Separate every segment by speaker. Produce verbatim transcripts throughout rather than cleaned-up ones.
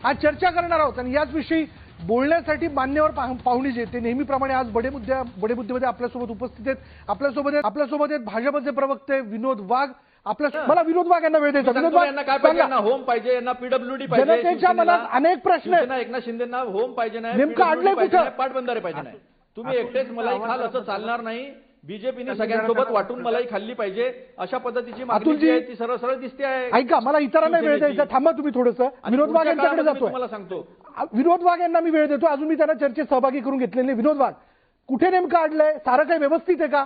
Speaker 1: आज चर्चा करणार आहोत आणि याच विषयी बोलण्यासाठी मान्यवर पाहुणे जे ते नेहमीप्रमाणे आज बडे मुद्द्या बडे मुद्द्यामध्ये आपल्यासोबत उपस्थित आहेत। आपल्यासोबत आहेत आपल्यासोबत आहेत भाजपचे प्रवक्ते विनोद वाघ। आपल्या मला विनोद वाघ यांना वेळ द्यायचा। विनोद वाघ
Speaker 2: यांना काय पाहिजे? यांना होम पाहिजे, यांना पीडब्ल्यूडी पाहिजे।
Speaker 1: जनतेच्या मनात अनेक प्रश्न आहेत।
Speaker 2: एकनाथ शिंदेंना होम पाहिजे नाही,
Speaker 1: नेमकं अडलंय कुठं?
Speaker 2: पाटबंधारे पाहिजे नाही। तुम्ही एकटेच मलाई खाल असं चालणार नाही। बीजेपीने सगळ्यांसोबत वाटून मलाई खाल्ली पाहिजे अशा पद्धतीची मागणी जी आहे ती सरळ सरळ दिसते आहे।
Speaker 1: ऐका मला इतरांना वेळ द्यायचा। थांबा तुम्ही थोडंसं। विनोद वाघ यांच्याकडे जातोय।
Speaker 2: मला सांगतो
Speaker 1: विनोद वाघ यांना मी वेळ देतो। अजून मी त्यांना चर्चेत सहभागी करून घेतलेले। विनोद वाघ कुठे नेमकं अडलंय? सारं काही व्यवस्थित आहे का?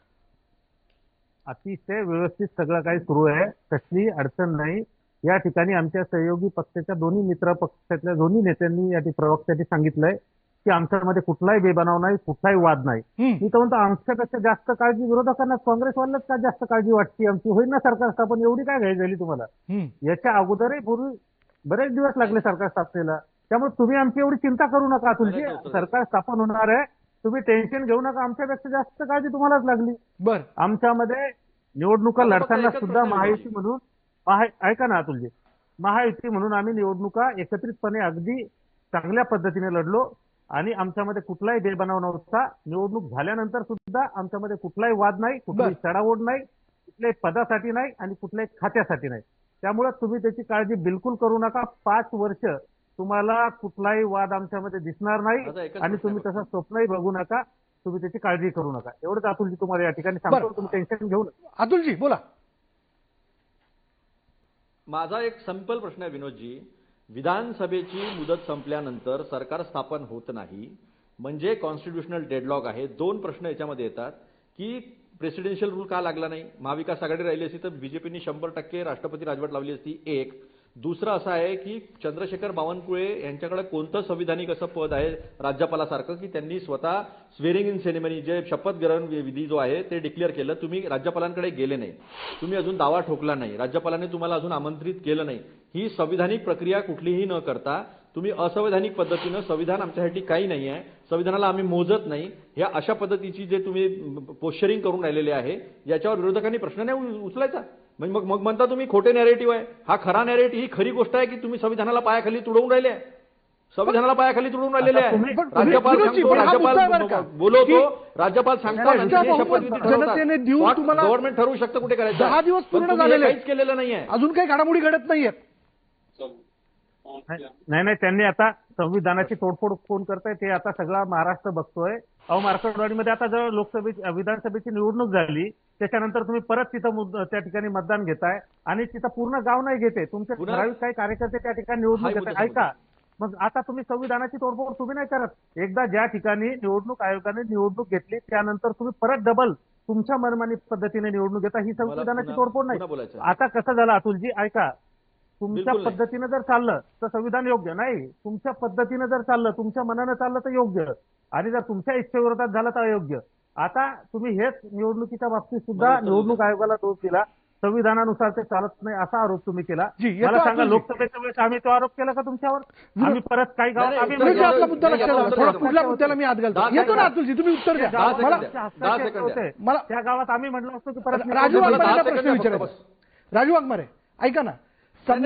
Speaker 3: अतिशय व्यवस्थित सगळं काही सुरू आहे, कसली अडचण नाही। या ठिकाणी आमच्या सहयोगी पक्षाच्या दोन्ही मित्र पक्षातल्या दोन्ही नेत्यांनी या प्रवक्त्यांनी सांगितलंय की आमच्यामध्ये कुठलाही बेबनाव नाही, कुठलाही वाद नाही। मी तर म्हणतो आमच्यापेक्षा जास्त काळजी विरोधकांना काँग्रेसवाल्याच का जास्त काळजी वाटते आमची? होईल ना सरकार स्थापन, एवढी काय घाई झाली तुम्हाला? याच्या अगोदरही पूर्वी बरेच दिवस लागले सरकार स्थापनेला, त्यामुळे तुम्ही आमची एवढी चिंता करू नका। तुमची सरकार स्थापन होणार आहे, तुम्ही टेन्शन घेऊ नका। आमच्यापेक्षा जास्त काळजी तुम्हालाच लागली।
Speaker 1: बर
Speaker 3: आमच्यामध्ये निवडणुका लढताना सुद्धा महायुती म्हणून ऐका ना अतुलजी, महायुती म्हणून आम्ही निवडणुका एकत्रितपणे अगदी चांगल्या पद्धतीने लढलो आणि आमच्यामध्ये कुठलाही बेबनाव नव्हता। निवडणूक झाल्यानंतर सुद्धा आमच्यामध्ये कुठलाही वाद नाही, कुठलीही चढाओढ नाही, कुठल्याही पदासाठी नाही आणि कुठल्याही खात्यासाठी नाही। त्यामुळे तुम्ही त्याची काळजी बिलकुल करू नका। पाच वर्ष तुम्हाला कुठलाही वाद आमच्यामध्ये दिसणार नाही आणि तुम्ही तसं स्वप्नही बघू नका। तुम्ही त्याची काळजी करू नका। एवढंच अतुलजी तुम्हाला या ठिकाणी सांगतो, तुम्ही टेन्शन घेऊ नका।
Speaker 1: अतुलजी बोला।
Speaker 2: माझा एक सिंपल प्रश्न आहे विनोदजी, विधानसभेची मुदत संपल्यानंतर सरकार स्थापन होत नाही म्हणजे कॉन्स्टिट्यूशनल डेडलॉक आहे। दोन प्रश्न याच्यामध्ये येतात की प्रेसिडेन्शियल रूल का लागला नाही? महाविकास आघाडी राहिली असती तर बीजेपीने शंभर टक्के राष्ट्रपती राजवट लावली असती। एक दुसरं असं आहे की चंद्रशेखर बावनकुळे यांच्याकडे कोणतं संविधानिक असं पद आहे राज्यपालासारखं की त्यांनी स्वतः स्वेरिंग इन सेरेमनी जे शपथ ग्रहण विधी जो आहे ते डिक्लेअर केलं। तुम्ही राज्यपालांकडे गेले नाही, तुम्ही अजून दावा ठोकला नाही, राज्यपालांनी तुम्हाला अजून आमंत्रित केलं नाही। ही संविधानिक प्रक्रिया कुठलीही न करता तुम्ही असंवैधानिक पद्धतीनं संविधान आमच्यासाठी काही नाही आहे, संविधानाला आम्ही मोजत नाही, ह्या अशा पद्धतीची जे तुम्ही पोश्चरिंग करून राहिलेले आहे याच्यावर विरोधकांनी प्रश्न नाही उचलायचा। म्हणजे मग मग म्हणता तुम्ही खोटे नॅरेटिव्ह आहे। हा खरा नॅरेटिव्ह, ही खरी गोष्ट आहे की तुम्ही संविधानाला पायाखाली तुडवून राहिले आहे, संविधानाला पायाखाली तुडवून राहिलेले आहे। राज्यपाल सांगतो, राज्यपाल बोलवतो, राज्यपाल सांगतात, गव्हर्नमेंट ठरवू शकतं कुठे करायचं।
Speaker 1: दहा दिवस पूर्ण झालेले
Speaker 2: काहीच केलेलं नाहीये,
Speaker 1: अजून काही घडामोडी घडत नाहीये।
Speaker 3: नाही नाही त्यांनी आता संविधानाची तोडफोड कोण करताय ते आता सगळा महाराष्ट्र बघतोय। अहो मार्केटवाडीमध्ये आता जर लोकसभेची विधानसभेची निवडणूक झाली त्याच्यानंतर तुम्ही परत तिथं त्या ठिकाणी मतदान घेताय आणि तिथं पूर्ण गाव नाही घेते, तुमचे ठराविक काही कार्यकर्ते त्या ठिकाणी निवडणूक घेतात। ऐका, मग आता तुम्ही संविधानाची तोडफोड तुम्ही नाही करत। एकदा ज्या ठिकाणी निवडणूक आयोगाने निवडणूक घेतली त्यानंतर तुम्ही परत डबल तुमच्या मनमानी पद्धतीने निवडणूक घेता, ही संविधानाची तोडफोड नाही। आता कसं झालं अतुलजी, ऐका, तुमच्या पद्धतीनं जर चाललं तर संविधान योग्य नाही, तुमच्या पद्धतीनं जर चाललं, तुमच्या मनानं चाललं तर योग्य, आणि जर तुमच्या इच्छेविरोधात झालं तर अयोग्य। आता तुम्ही हेच निवडणुकीच्या बाबतीत सुद्धा निवडणूक आयोगाला दोष दिला, संविधानानुसार ते चालत नाही असा आरोप तुम्ही केला। मला सांगा, लोकसभेच्या वेळेस आम्ही तो आरोप केला का तुमच्यावर? आम्ही परत काही गावात आम्ही
Speaker 1: मुद्दा लक्षात पुढल्या मुद्द्याला मी आत घालतो। येतो ना अतुलजी, तुम्ही उत्तर द्या मला।
Speaker 3: त्या गावात आम्ही म्हटलं असतो की परत
Speaker 1: राजू वाघमारे प्रश्न विचारायचा। राजू वाघमारे ऐका ना,